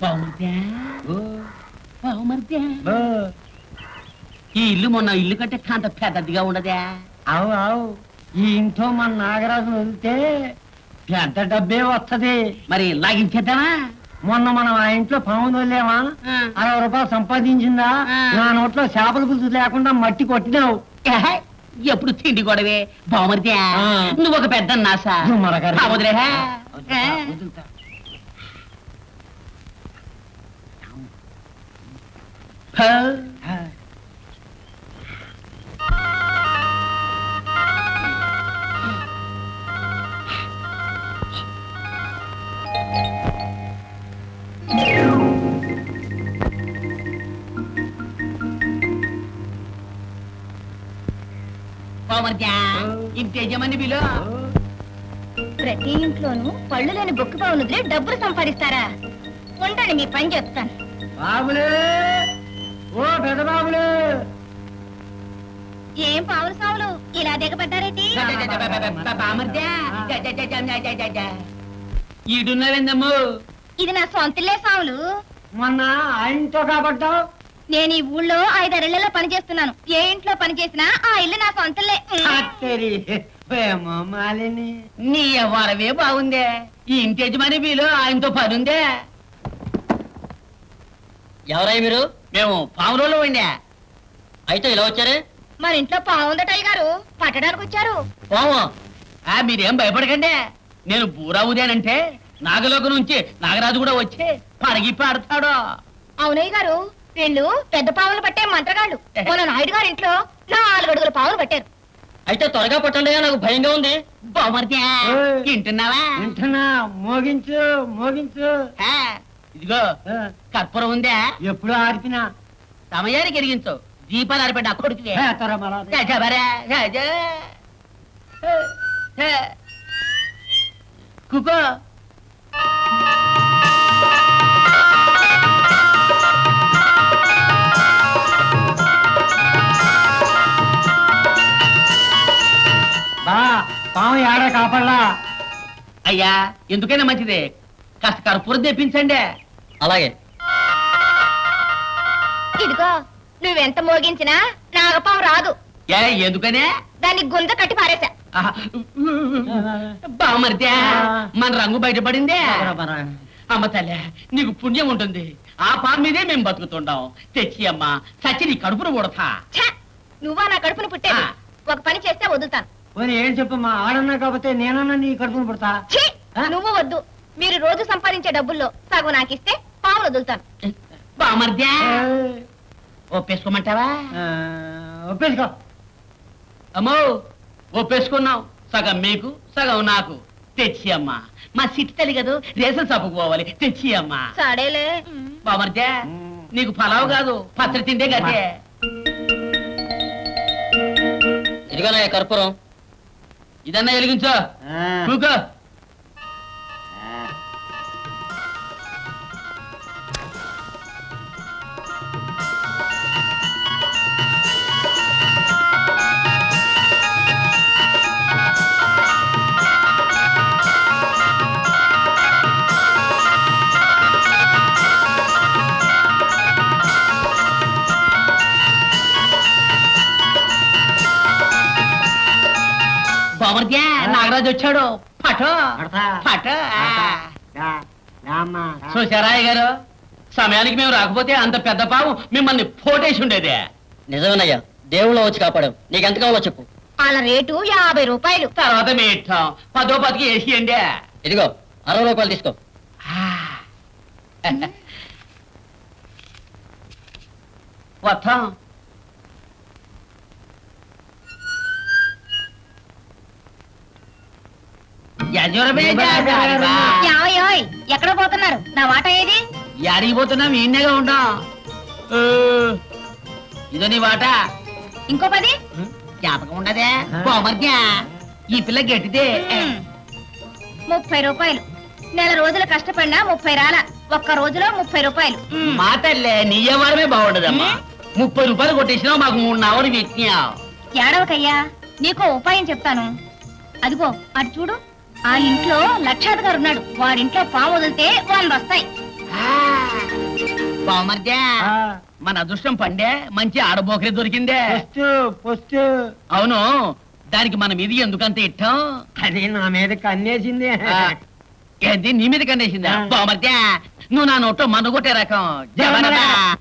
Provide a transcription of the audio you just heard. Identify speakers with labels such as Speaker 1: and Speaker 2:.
Speaker 1: ఈ ఇల్లు మొన్న ఇల్లు కంటే కాంత పెద్దదిగా ఉండదా?
Speaker 2: అవు అవు, ఈ ఇంట్లో మన నాగరాజు వదిలితే పెద్ద డబ్బే వస్తది.
Speaker 1: మరి లాగించేద్దామా?
Speaker 2: మొన్న మనం ఆ ఇంట్లో పాము వదిలేమా, 60 రూపాయలు సంపాదించిందా? నా నోట్లో చేపల పులుసు లేకుండా మట్టి కొట్టినావు.
Speaker 1: ఎప్పుడు తిండి గొడవే బావమరిదే. నువ్వు ఒక పెద్ద నాసా వదిలే. ఇంటి యజమాని బిలో
Speaker 3: ప్రతి ఇంట్లోనూ పళ్ళు లేని బొక్కు పావులుదిలే డబ్బులు సంపాదిస్తారా? ఉండండి మీ పని చెప్తాను.
Speaker 2: బాబులే, ఓ పెద్ద బాబులే.
Speaker 3: ఏం పావులు సావులు ఇలా దిగబడ్డారేటి?
Speaker 1: ఈడున్నావేందమ్ము?
Speaker 3: ఇది నా సొంతలే సావులు.
Speaker 2: మొన్న ఆ ఇంట్లో కాబట్టావు.
Speaker 3: నేను ఈ ఊళ్ళో 5-6 పని చేస్తున్నాను. ఏ ఇంట్లో పని చేసినా ఆ ఇల్లు నా సొంతలే.
Speaker 2: మాలిని,
Speaker 1: నీ వరవే బాగుందే. ఈ ఇంటి యజమాని బిలో ఆయనతో పని ఉందే.
Speaker 4: ఎవరై మీరు?
Speaker 1: మేము పావులలో ఉండే.
Speaker 4: అయితే ఇలా వచ్చారే?
Speaker 3: మన ఇంట్లో పావుందటయ్య గారు, పట్టడానికి వచ్చారు.
Speaker 1: పోము. మీరేం భయపడకండి. నేను బూరావుదేనంటే నాగలోక నుంచి నాగరాజు కూడా వచ్చి పరగి పాడతాడు.
Speaker 3: అవునయ్య గారు, వీళ్ళు పెద్ద పావులు పట్టే మంత్రగాళ్ళు. మన నాయుడు గారి ఇంట్లో 4 అడుగుల పావులు పట్టారు.
Speaker 4: అయితే త్వరగా పట్టండి, నాకు భయంగా ఉంది.
Speaker 1: బామర్ద్యా, వింటున్నావా?
Speaker 2: వింటున్నా. మోగించు మోగించు.
Speaker 1: ఇదిగో కర్పూరం ఉందా?
Speaker 2: ఎప్పుడు ఆర్పినా
Speaker 1: సమయానికి ఎరిగించు. దీపాలు ఆరిపెట్టి అక్కడికి కుకో.
Speaker 2: బా, పాము ఏడా కాపడలా.
Speaker 1: అయ్యా, ఎందుకైనా మంచిదే, కాస్త కర్పూరం తెప్పించండి.
Speaker 4: అలాగే.
Speaker 3: ఇదిగో, నువ్వెంత మోగించినా నాగపాము రాదు.
Speaker 1: ఎందుకనే?
Speaker 3: దాన్ని గుంజ కట్టి పారేశా.
Speaker 1: బామర్ద్యా, మన రంగు బయటపడిందే. అమ్మ తల్లే, నీకు పుణ్యం ఉంటుంది. ఆ పాము మీదే మేము బతుకుతుంటాం. తెచ్చి అమ్మా, చచ్చి నీ కడుపును కొడతా.
Speaker 3: నువ్వా నా కడుపును పుట్టే? ఒక పని చేస్తే వదులుతాను.
Speaker 2: ఏం చెప్పమ్మా, ఆడన్నా కాకపోతే నేనన్నా నీ కడుపును పుడతా.
Speaker 3: నువ్వు వద్దు. మీరు రోజు సంపాదించే డబ్బుల్లో సగం నాకిస్తే పావులు వదులుతాను.
Speaker 1: బామర్ద్యా, ఒప్పేసుకోమంటావా?
Speaker 2: ఒప్పేసుకో.
Speaker 1: అమ్మో, ఒప్పేసుకున్నాం. సగం మీకు, సగం నాకు. తెచ్చి అమ్మా, మా సిట్టి తల్లి కదా, రేషన్ షాపుకు పోవాలి. తెచ్చి అమ్మా.
Speaker 3: సడేలే.
Speaker 1: బామర్ద్యా, నీకు పలావు కాదు, పత్రి తిండే గదే.
Speaker 4: ఇదిగోనా కర్పూరం.
Speaker 1: ఇదన్నా వెలిగించో. కూకో. బామర్ద్యా, నాగరాజు వచ్చాడు. పటో పటో. చూసారాయ్య గారు, సమయానికి మేము రాకపోతే అంత పెద్ద పాము మిమ్మల్ని పోటేసి ఉండేదే.
Speaker 4: నిజమేనయ్యా, దేవుళ్ళు వచ్చి కాపాడావు. నీకెంత కావాలో చెప్పు.
Speaker 3: వాళ్ళ రేటు 50 రూపాయలు.
Speaker 1: తర్వాత మీ ఇష్టం. 10 10కి వేసియండి.
Speaker 4: ఇదిగో 60 రూపాయలు తీసుకో.
Speaker 1: వస్తాం.
Speaker 3: ఎక్కడ పోతున్నారు? నా వాట ఏది?
Speaker 1: యాడికి పోతున్నాం? ఈయనగా ఉంటాం. ఇదో నీ వాట.
Speaker 3: ఇంకో 10
Speaker 1: జ్ఞాపకం ఉండదే? బామర్ద్యా, ఈ పిల్ల గట్టిదే.
Speaker 3: 30 రూపాయలు. నెల రోజులు కష్టపడినా 30 రాల. ఒక్క రోజులో 30 రూపాయలు.
Speaker 1: మా తల్లే, నీ వ్యవహారమే బాగుండదమ్మా. 30 రూపాయలు కొట్టేసినా మాకు 3 అవరు పెట్టినావు.
Speaker 3: ఏడవకయ్యా, నీకో ఉపాయం చెప్తాను. అదిగో అటు చూడు, ఆ ఇంట్లో లక్షాధికారి ఉన్నాడు. వాడింట్లో పాము వదిలితే 100 వస్తాయి.
Speaker 1: బావమర్దే
Speaker 2: ఆ,
Speaker 1: మన అదృష్టం పండే మంచి ఆడబోకరే దొరికిందే
Speaker 2: పొస్తు పొస్తు
Speaker 1: అవును దానికి మనం ఇది ఎందుకంత ఇట్టం
Speaker 2: అది నా మీద కన్నేసింది
Speaker 1: ఆ, ఏంది నీ మీద కండేసిందా
Speaker 2: ఆ.
Speaker 1: బావమర్దే నువ్వు నా నోట్లో మన్ను కొట్టే రకం జబరదా.